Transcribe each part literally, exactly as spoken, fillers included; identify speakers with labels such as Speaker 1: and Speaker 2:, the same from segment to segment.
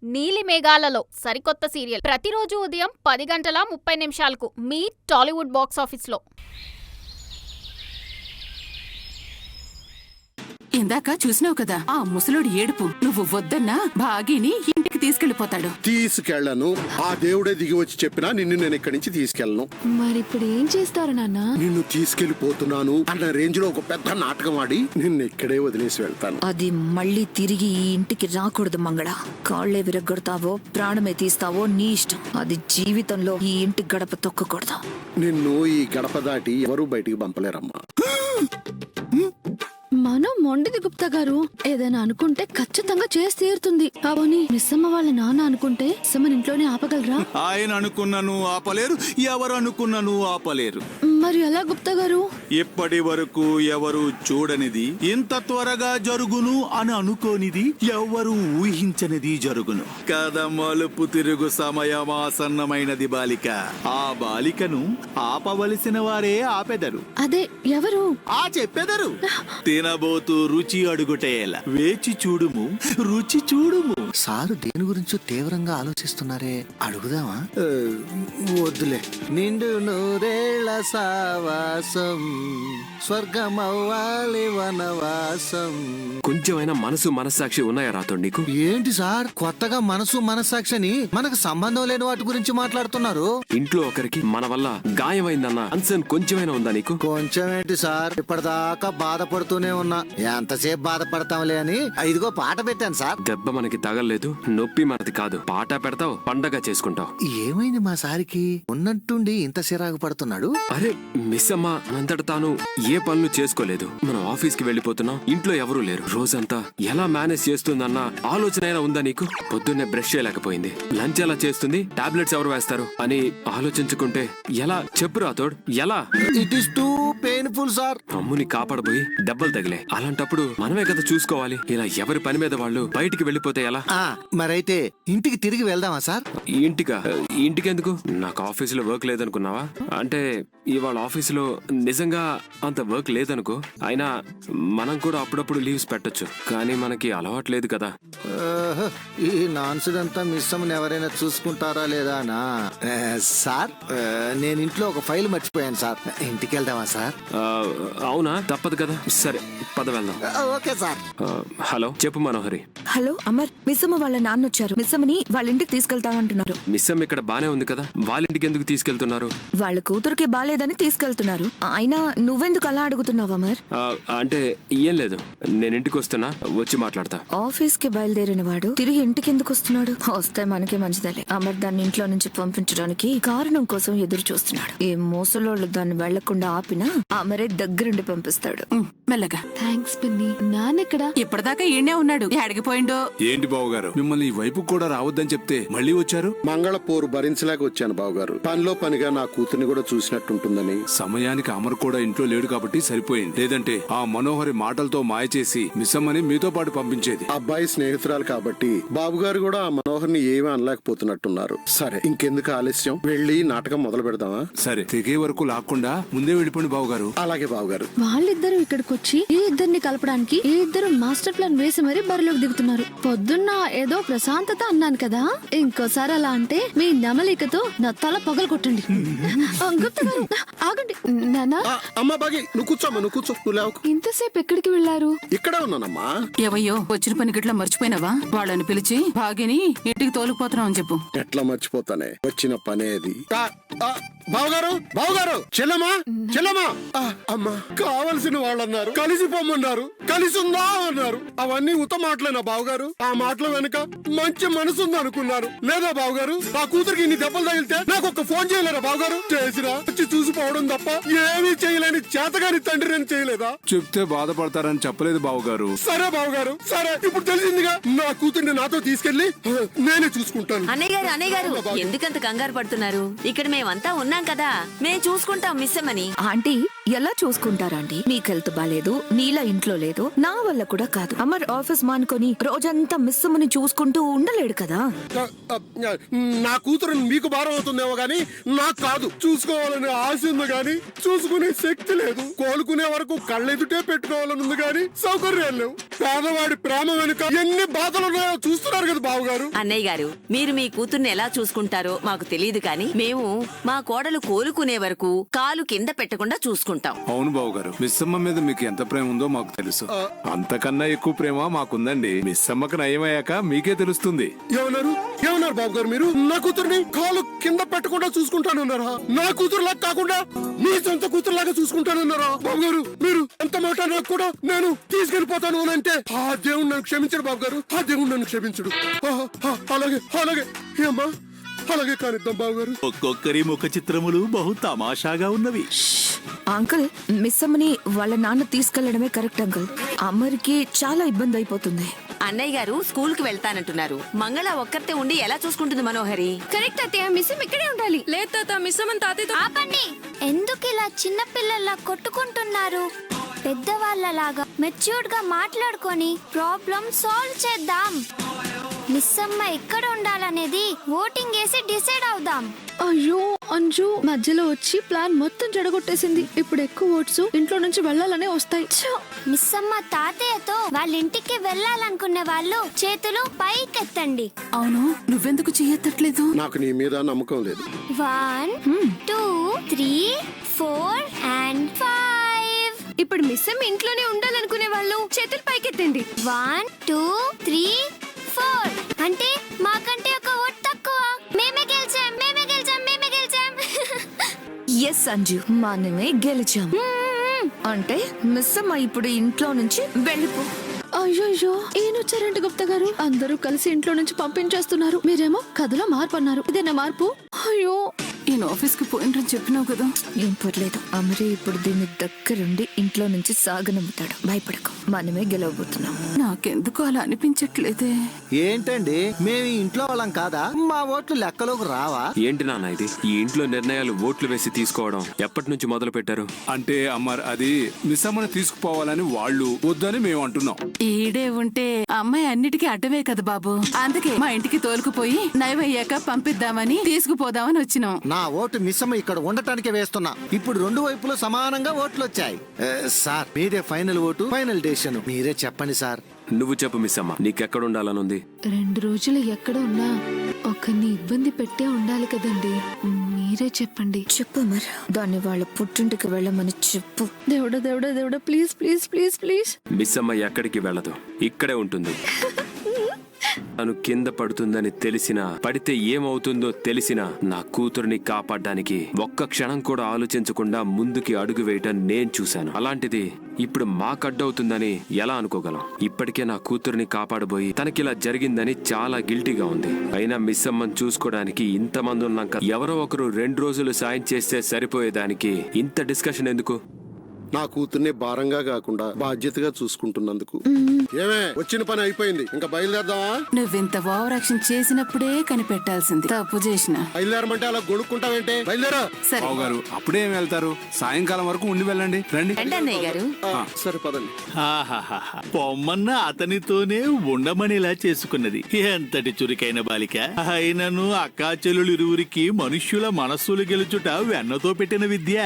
Speaker 1: నీలి మేఘాలలో సరికొత్త సీరియల్ ప్రతిరోజు ఉదయం పది గంటల ముప్పై నిమిషాలకు మీ టాలీవుడ్ బాక్స్ ఆఫీస్లో.
Speaker 2: ఇందాక చూసినావు కదా ఆ ముసలోడి ఏడుపు. నువ్వు వద్దన్నా భాగిని ఇంటికి తీసుకెళ్లిపోతాడు.
Speaker 3: తీసుకెళ్లను. ఆ దేవుడే దిగి వచ్చి చెప్పినా నిన్ను నేను ఇక్కడి నుంచి తీసుకెళ్లను.
Speaker 4: మరి ఇప్పుడు ఏం చేస్తారు నాన్న?
Speaker 3: నిన్ను తీసుకెళ్లిపోతున్నాను అన్న రేంజ్ లో ఒక పెద్ద నాటకం ఆడి నిన్ను ఇక్కడే వదిలేసి వెళ్తాను.
Speaker 5: అది మళ్ళీ తిరిగి ఈ ఇంటికి రాకూడదు మంగళ. కాళ్లే విరగొడతావో ప్రాణమే తీస్తావో నీ ఇష్టం. అది జీవితంలో ఈ ఇంటి గడప తొక్కకూడదు.
Speaker 3: నిన్ను ఈ గడప దాటి ఎవరూ బయటికి పంపలేరమ్మా.
Speaker 4: మనం మొండిది గుప్తా గారు ఏదైనా అనుకుంటే ఖచ్చితంగా చేసి తీరుతుంది. అవని మిస్సమ్మ వాళ్ళ నాన్న అనుకుంటే మిస్సమ్మని ఇంట్లోనే ఆపగలరా?
Speaker 6: ఆయన అనుకున్నాను ఆపలేరు, ఎవరు అనుకున్నాను ఆపలేరు.
Speaker 4: మరి ఎలా గుప్తా గారు?
Speaker 6: ఇప్పటి వరకు ఎవరు చూడనిది ఇంత త్వరగా జరుగును అని అనుకోనిది ఎవరు ఊహించనిది జరుగును. కథ మలుపు తిరుగు సమయం ఆసన్నమైనది బాలిక. ఆ బాలికను ఆపవలసిన వారే ఆపెదరు.
Speaker 4: అదే ఎవరు?
Speaker 6: ఆ చెప్పెదరు. తినబోతూ రుచి అడుగుటేలా. వేచి చూడుము, రుచి చూడుము.
Speaker 7: సారు దేని గురించో తీవ్రంగా ఆలోచిస్తున్నారే, అడుగుదామా? వద్దులే. నిండు నూరేళ్ల సావాసం, స్వర్గమవ్వాలి వనవాసం.
Speaker 8: కొంచెమైనా మనసు మనస్సాక్షి ఉన్నాయా రాతో నీకు?
Speaker 7: ఏంటి సార్ కొత్తగా మనసు మనస్సాక్షిని మనకు సంబంధం లేని వాటి గురించి మాట్లాడుతున్నారు?
Speaker 8: ఇంట్లో ఒకరికి మన వల్ల గాయమైందన్న కన్సర్న్ కొంచెమైనా ఉందా నీకు?
Speaker 7: కొంచెం ఏంటి సార్, ఇప్పటిదాకా బాధపడుతూనే ఉన్నా. ఎంతసేపు బాధపడతాంలే అని ఇదిగో పాట పెట్టాను సార్.
Speaker 8: దెబ్బ మనకి తగలలేదు, నొప్పి మనది కాదు. పాట పెడతావు, పండగ చేసుకుంటావు.
Speaker 7: ఏమైంది మా సారికి ఉన్నట్టుండి ఇంత సిరాకు పడుతున్నాడు?
Speaker 8: అరే మిస్ అమ్మ అంతట తాను ఏ పనులు చేసుకోలేదు. మనం ఆఫీస్ కి వెళ్ళిపోతున్నాం, ఇంట్లో ఎవరూ లేరు. రోజంతా ఎలా మేనేజ్ చేస్తుందన్న ఆలోచన అయినా ఉందా నీకు? పొద్దున్నే బ్రష్ చేయలేకపోయింది, లంచ్ ఎలా చేస్తుంది, టాబ్లెట్స్ ఎవరు వేస్తారు అని ఆలోచించుకుంటే ఎలా చెప్పు రాతోడ్? ఎలా?
Speaker 7: It is too painful sir.
Speaker 8: అమ్ముని కాపాడబోయి దెబ్బలు తగిలే. అలాంటప్పుడు మనమే కదా చూసుకోవాలి. ఇలా ఎవరి పని మీద వాళ్ళు బయటికి వెళ్ళిపోతే ఎలా?
Speaker 7: మరైతే ఇంటికి తిరిగి వెళ్దామా సార్?
Speaker 8: ఇంటికా? ఇంటికి ఎందుకు? నాకు ఆఫీసులో వర్క్ లేదనుకున్నావా? అంటే ఇవాళ ఆఫీసులో నిజంగా అంత వర్క్ లేదనుకో. అయినా మనం కూడా అప్పుడప్పుడు లీవ్స్ పెట్టొచ్చు, కానీ మనకి అలవాటు లేదు కదా.
Speaker 7: ఈ నాన్సుడ్ అంతా మిస్ అమ్మని ఎవరైనా చూసుకుంటారా లేదా నా? సార్ నేను ఇంట్లో ఒక ఫైల్ మర్చిపోయాను సార్. ఇంటికి వెళ్దామా సార్?
Speaker 8: అవునా, తప్పదు కదా. సరే పద వెళ్దాం.
Speaker 7: Okay sir.
Speaker 8: హలో చెప్పు మనోహరి.
Speaker 5: హలో అమర్, మిస్సమ్మ వాళ్ళ నాన్న వచ్చారు. మిస్సమ్మని వాళ్ళ ఇంటికి తీసుకెళ్తామంటున్నారు.
Speaker 8: మిస్సమ్మ ఇక్కడ బానే ఉంది కదా, వాళ్ళ ఇంటికి ఎందుకు తీసుకెళ్తున్నారు?
Speaker 5: వాళ్ళ కూతురికి బాలేదని తీసుకెళ్తున్నారు. అయినా నువ్వెందుకు అలా అడుగుతున్నావు అమర్?
Speaker 8: అంటే ఏం లేదు, నేను ఇంటికి వస్తున్నా, వచ్చి మాట్లాడతా.
Speaker 5: ఆఫీస్ కి బయలుదేరిన వాడు తిరిగి ఇంటికి ఎందుకు వస్తున్నాడు? వస్తే మనకి మంచిదలే. అమర్ దాన్ని ఇంట్లో నుంచి పంపించడానికి కారణం కోసం ఎదురు చూస్తున్నాడు. ఏ మోసలోళ్ళు దాన్ని వెళ్లకుండా ఆపినా అమరే దగ్గరుండి పంపిస్తాడు.
Speaker 2: మెల్లగా.
Speaker 4: థ్యాంక్స్ పిన్ని. నాన్నెక్కడ?
Speaker 2: ఇప్పటిదాకా ఈయనే ఉన్నాడు, అడిగిపోయిండో.
Speaker 6: ఏంటి బావగారు, మిమ్మల్ని ఈ వైపు కూడా రావద్దని చెప్తే మళ్ళీ వచ్చారు?
Speaker 3: మంగళ పోరు భరించలేక వచ్చాను బావగారు. పనిలో పనిగా నా కూతుర్ని కూడా చూసినట్టుంటుందని.
Speaker 6: సమయానికి అమర్ కూడా ఇంట్లో లేడు కాబట్టి సరిపోయింది. లేదంటే ఆ మనోహరి మాటలతో మాయ చేసి మిస్సమ్మని మీతో పాటు పంపించేది.
Speaker 3: అబ్బాయి స్నేహితురాలు కాబట్టి బాబుగారు కూడా ఆ మనోహర్ని ఏమీ అనలేకపోతున్నట్టున్నారు. సరే ఇంకెందుకు ఆలస్యం, వెళ్ళి నాటకం మొదలు పెడదామా?
Speaker 6: సరే తెగే వరకు లాక్కుండా ముందే వెళ్ళిపోండి బావగారు.
Speaker 3: అలాగే బావగారు.
Speaker 4: వాళ్ళిద్దరూ ఇక్కడికి వచ్చి ఈ ఇద్దరిని కలపడానికి ఈ ఇద్దరు మాస్టర్ ప్లాన్ వేసి మరీ బరిలోకి దిగుతున్నారు. పొద్దున్న ఏదో ప్రశాంతత అన్నాను కదా, ఇంకోసారి అలా అంటే మీ నమలికతో నా తల పగలు కొట్టండి. గుప్తా గారు ఆగండి. నానా
Speaker 3: అమ్మా బాగి, నువ్వు కూర్చోమ్మా, నువ్వు కూర్చో. నువ్వు లేవకు.
Speaker 4: ఇంతసేపు ఎక్కడికి వెళ్లారు?
Speaker 3: ఇక్కడే ఉన్నానమ్మా.
Speaker 2: ఏవయ్యో, వచ్చిన పని గిట్లా మర్చిపోయినావా? వాళ్ళని పిలిచి భాగిని ఇంటికి తోలుకుపోతున్నావు అని చెప్పు.
Speaker 3: ఎట్లా మర్చిపోతానే, వచ్చిన పనేది. బావగారు, బావగారు, చెల్లమ్మా, చెల్లమ్మా. అమ్మా, కావలసిన వాళ్ళన్నారు, కలిసి పొమ్మన్నారు, కలిసి ఉందా అన్నారు. అవన్నీ ఉత మాటలేనా బావగారు? ఆ మాటల వెనుక మంచి మనసు ఉంది అనుకున్నారు లేదా బావగారు? ఆ కూతురికి ఇన్ని దెబ్బలు తగిలితే నాకు ఒక ఫోన్ చేయలేరా బావగారు? చేసిరా, వచ్చి చూసిపోవడం తప్ప ఏమీ చేయలేని చేతగాని తండ్రి అని చేయలేదా?
Speaker 6: చెప్తే బాధపడతారని చెప్పలేదు బావగారు.
Speaker 3: సరే బావగారు, సరే ఇప్పుడు తెలిసిందిగా. నా కూతుర్ని నాతో తీసుకెళ్లి నేనే చూసుకుంటాను.
Speaker 9: అన్నయ్య గారు, అన్నయ్య గారు ఎందుకంత కంగారు పడుతున్నారు? ఇక్కడ మేమంతా ఉన్నాం కదా, మేము చూసుకుంటాం మిస్సమ్మని.
Speaker 5: ఆంటీ ఎలా చూసుకుంటారా అండి? మీకు హెల్త్ బాలేదు, నీలా ఇంట్లో లేదు, నా వల్ల కూడా కాదు. అమర్ ఆఫీస్ మానుకొని రోజంతా మిస్ అమ్మని చూసుకుంటూ ఉండలేడు కదా.
Speaker 3: ఆ, ఆ, నా కూతురు మీకు భారం అవుతుందేమో గానీ నాకు కాదు. చూసుకోవాలనే ఆశ ఉంది గానీ చూసుకునే శక్తి లేదు. కోలుకునే వరకు కళ్ళెదుటే పెట్టుకోవాలని ఉంది గానీ సౌకర్యాలు లేవు. పేదవాడి ప్రేమ వెనుక ఎన్ని బాధలు ఉన్నాయో చూస్తున్నారు కదా బావగారు.
Speaker 9: అన్నయ్య గారు, మీరు మీ కూతుర్ని ఎలా చూసుకుంటారో మాకు తెలియదు కానీ మేము మా కోడలు కోలుకునే వరకు కాలు కింద పెట్టకుండా చూసుకుంటాం.
Speaker 10: అవును బాబు గారు, మిస్సమ్మ మీద మీకు ఎంత ప్రేమ ఉందో మాకు తెలుసు. అంతకన్నా ఎక్కువ ప్రేమ మాకుందండి. మిస్సమ్మకు నయమయ్యాక మీకే తెలుస్తుంది.
Speaker 3: ఏమన్నారు ఏమన్నారు బాబు గారు? మీరు నా కూతుర్ని కాలు కింద పెట్టకుండా చూసుకుంటానన్నారా? నా కూతురులాగా కాకుండా మీ సొంత కూతురులాగా చూసుకుంటానన్నారా బాబు గారు? మీరు ఎంత మాట నాకు కూడా నేను తీసుకెళ్లిపోతాను అని అంటే ఆ దేవుడు నన్ను క్షమించడు బాబు గారు. ఆ దేవుడు నన్ను క్షమించడు. ఆ, ఆ, అలాగే అలాగే ఏమ్మా అలాగే కానిద్దాం బాబు గారు.
Speaker 6: ఒక్కొక్కరి ముఖ చిత్రములు బహు తమాషాగా ఉన్నవి.
Speaker 5: అంకుల్, మిస్ అమ్మని వాళ్ళ నాన్న తీసుకెళ్లడమే కరెక్ట్ అంకుల్. అమర్కి చాలా ఇబ్బంది అయిపోతుంది.
Speaker 9: అన్నయ్య గారు స్కూల్ కి వెళ్తానంటున్నారు. మంగళ ఒక్కరితే ఉండి ఎలా చూసుకుంటుంది మనోహరి?
Speaker 4: కరెక్ట్ అత్తయ్య, మిస్ ఇక్కడే ఉండాలి. లేదు తాత, మిస్ అమ్మని తాతయ్యతో
Speaker 11: ఆపండి. ఎందుకు ఇలా చిన్న పిల్లల్లా కొట్టుకుంటున్నారు? పెద్దవాళ్ళలాగా మెచ్యూర్డ్ గా మాట్లాడుకొని ప్రాబ్లం సాల్వ్ చేద్దాం. మిస్ అమ్మ ఎక్కడ ఉండాలనేది ఓటింగ్ వేసి డిసైడ్ అవుదాం.
Speaker 4: అయ్యో అంజు మధ్యలో వచ్చి ప్లాన్ మొత్తం చెడగొట్టేసింది. ఇప్పుడు ఎక్కువ ఓట్స్ ఇంట్లో నుంచి వెళ్ళాలనే వస్తాయి. ఛ!
Speaker 11: మిస్ అమ్మ తాతయ్యతో వాళ్ళ ఇంటికి వెళ్ళాలనుకునే వాళ్ళు చేతులు పైకెత్తండి.
Speaker 2: అవును, నువ్వెందుకు చెయ్యెత్తట్లేదు?
Speaker 3: నాకు నీ మీద నమ్మకం లేదు.
Speaker 11: One two three four and five.
Speaker 4: ఇప్పుడు మిస్ అమ్మ ఇంట్లోనే ఉండాలనుకునే వాళ్ళు చేతులు పైకెత్తండి.
Speaker 11: One two three four. అంటే మాకంటే ఒక ఓట్ తక్కువ. మేమే గెలిచాం మేమే గెలిచాం మేమే గెలిచాం.
Speaker 5: ఎస్ అంజు, మనమే గెలిచాం. అంటే మిస్ అమ్మ ఇప్పుడు ఇంట్లో నుంచి వెళ్ళిపో.
Speaker 4: అయ్యో ఈయనొచ్చారంట గుప్తా గారు. అందరూ కలిసి ఇంట్లో నుంచి పంపించేస్తున్నారు. మీరేమో కథలో మార్పు అన్నారు. ఇదేనా మార్పు? అయ్యో,
Speaker 2: ఈయన ఆఫీస్ కి పోయినని చెప్పినావు కదా.
Speaker 5: ఏం పర్లేదు, అమరే ఇప్పుడు దీన్ని దగ్గరుండి ఇంట్లో నుంచి సాగనమ్ముతాడు. భయపడకు, మనమే గెలవబోతున్నాం.
Speaker 2: నాకెందుకు అలా అనిపించట్లేదే.
Speaker 7: ఏంటండి, మేము ఇంట్లో వాళ్ళం కాదా? మా ఓట్లు లెక్కలోకి రావా?
Speaker 8: ఏంటి నాన్న ఇది? ఈ ఇంట్లో నిర్ణయాలు ఓట్లు వేసి తీసుకోవడం ఎప్పటి నుంచి మొదలు పెట్టారు?
Speaker 10: అంటే అమ్మర్, అది మిస్సమ్మని తీసుకుపోవాలని వాళ్ళు వద్దని మేము అంటున్నాం.
Speaker 2: ఈడే ఉంటే అమ్మాయి అన్నిటికీ అడ్డమే కదా బాబు. అందుకే మా ఇంటికి తోలుకుపోయి నయమయ్యాక పంపిద్దామని తీసుకుపోదామని వచ్చినాం.
Speaker 7: నా ఓటు మిస్సమ్మ ఇక్కడ ఉండటానికే వేస్తున్నా. ఇప్పుడు రెండు వైపులు సమానంగా ఓట్లు వచ్చాయి. ఏ, సార్ మీదే ఫైనల్ ఓటు, ఫైనల్ డెసిషన్ మీరే చెప్పండి సార్.
Speaker 8: నువ్వు చెప్పు మిస్సమ్మ, నీకెక్కడ ఉండాలనుంది?
Speaker 4: రెండు రోజులు ఎక్కడ ఉన్నా ఒకరిని ఇబ్బంది పెట్టే ఉండాలి కదండి. మీరే చెప్పండి.
Speaker 5: చెప్పు అమర్, దాన్ని వాళ్ళ పుట్టింటికి వెళ్ళమని చెప్పు.
Speaker 4: దేవుడా దేవుడా దేవుడా, please please please please.
Speaker 8: Missamma ఎక్కడికి వెళ్ళదు, ఇక్కడే ఉంటుంది. తను కింద పడుతుందని తెలిసినా, పడితే ఏమవుతుందో తెలిసినా నా కూతురుని కాపాడడానికి ఒక్క క్షణం కూడా ఆలోచించకుండా ముందుకి అడుగు వేయటం నేను చూశాను. అలాంటిది ఇప్పుడు మాకడ్డవుతుందని ఎలా అనుకోగలం? ఇప్పటికే నా కూతురుని కాపాడబోయి తనకిలా జరిగిందని చాలా గిల్టీగా ఉంది. అయినా మిస్ అమ్మని చూసుకోవడానికి ఇంతమంది ఉన్నాక ఎవరో ఒకరు రెండు రోజులు సాయం చేస్తే సరిపోయేదానికి ఇంత డిస్కషన్ ఎందుకు?
Speaker 3: నా కూతుర్ని భారంగా కాకుండా బాధ్యతగా చూసుకుంటున్నందుకు. ఏమే, వచ్చిన పని అయిపోయింది, ఇంకా బయలుదేరదామా?
Speaker 2: నువ్వింత ఓవర్ యాక్షన్ చేసినప్పుడే కనిపెట్టాల్సింది. తప్పు చేసిన
Speaker 3: బయలుదేరమంటే అలా గొడుక్కుంటావేంటే? బయలుదేరా.
Speaker 2: సరే
Speaker 10: బాబు గారు, అప్పుడే ఏం వెళ్తారు? సాయంకాలం వరకు ఉండి వెళ్ళండి. రండి.
Speaker 9: రండి అన్నయ్య గారు.
Speaker 3: ఆ, సరే పదండి.
Speaker 6: ఆహాహాహా. పొమ్మన్న అతనితోనే ఉండమనిలా చేసుకున్నది ఎంతటి చురుకైన బాలిక. అయినను అక్కా చెల్లులు ఇరువురికి మనుష్యుల మనస్సులు గెలుచుట వెన్నతో పెట్టిన విద్య.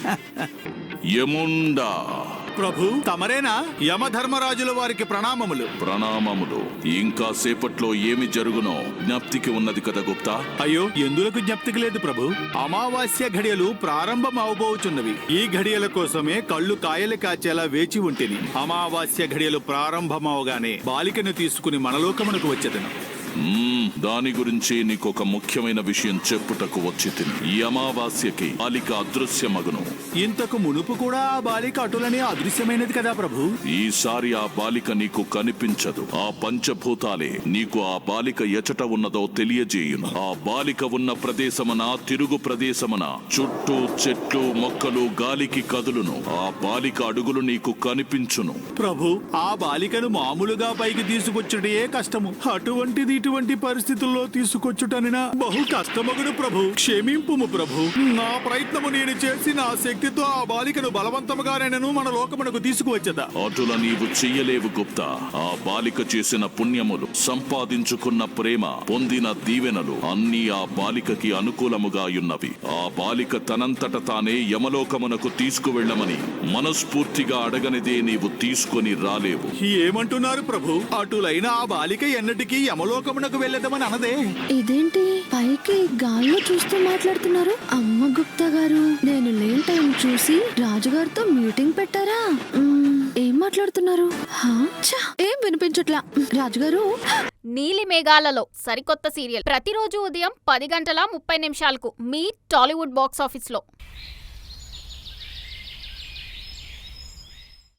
Speaker 12: యముండా
Speaker 6: ప్రభు, తమరేనా? యమధర్మరాజుల వారికి ప్రణామములు.
Speaker 12: ప్రణామములు. ఇంకా సేపట్లో ఏమి జరుగునో జ్ఞప్తికి ఉన్నది కదా గుప్తా?
Speaker 6: అయ్యో, ఎందులకు జ్ఞప్తికి లేదు ప్రభు. అమావాస్య ఘడియలు ప్రారంభం అవబోచున్నవి. ఈ ఘడియల కోసమే కళ్ళు కాయలు కాచేలా వేచి ఉంటేని అమావాస్య ఘడియలు ప్రారంభమవగానే బాలికను తీసుకుని మనలోకమునకు వచ్చేదను.
Speaker 12: మ్మ్, దాని గురించి నీకొక ముఖ్యమైన విషయం చెప్పుటకు వచ్చి తిని. ఈ అమావాస్యకి బాలిక అదృశ్యమగును.
Speaker 6: ఇంతకు మునుపు కూడా ఆ బాలిక అటులనే అదృశ్యమైనది కదా ప్రభు.
Speaker 12: ఈసారి ఆ బాలిక నీకు కనిపించదు. ఆ పంచభూతాలే నీకు ఆ బాలిక ఎచట ఉన్నదో తెలియజేయును. ఆ బాలిక ఉన్న ప్రదేశమున, తిరుగు ప్రదేశమున చుట్టూ చెట్లు మొక్కలు గాలికి కదులును. ఆ బాలిక అడుగులు నీకు కనిపించును.
Speaker 6: ప్రభు, ఆ బాలికను మామూలుగా పైకి తీసుకొచ్చుటే కష్టము. అటువంటిది ఇటువంటి ఇటువంటి పరిస్థితుల్లో తీసుకొచ్చుటనినా బహు కష్టమగును ప్రభు. క్షమింపుము ప్రభు. నా ప్రయత్నము నేను చేసి నా శక్తితో ఆ బాలికను బలవంతముగానైనను మన లోకమునకు తీసుకువచ్చదా?
Speaker 12: అటుల నీవు చెయ్యలేవు గుప్తా. ఆ బాలిక చేసిన పుణ్యములు, సంపాదించుకున్న ప్రేమ, పొందిన దీవెనలు అన్నీ ఆ బాలికకి అనుకూలముగా యున్నవి. ఆ బాలిక తనంతట తానే యమలోకమునకు తీసుకువెళ్ళమని మనస్ఫూర్తిగా అడగనిదే నీవు తీసుకొని రాలేవు.
Speaker 6: ఏమంటున్నారు ప్రభు? అటులైన ఆ బాలిక ఎన్నటికీ యమలోకమునకు వెళ్ళదమని అనదే.
Speaker 4: ఇదేంటి పైకి గాల్లో చూస్తూ మాట్లాడుతున్నారు? అమ్మ గుప్తా గారు, నేను లేని టైం చూసి రాజుగారితో మీటింగ్ పెట్టారా? మ్మ్, ఏం మాట్లాడుతున్నారు? హా? ఛ, ఏం వినిపించట్లా. రాజుగారు,
Speaker 1: నీలి మేఘాలలో సరికొత్త సీరియల్ ప్రతిరోజు ఉదయం పది గంటల ముప్పై నిమిషాలకు మీ టాలీవుడ్ బాక్స్ ఆఫీస్ లో.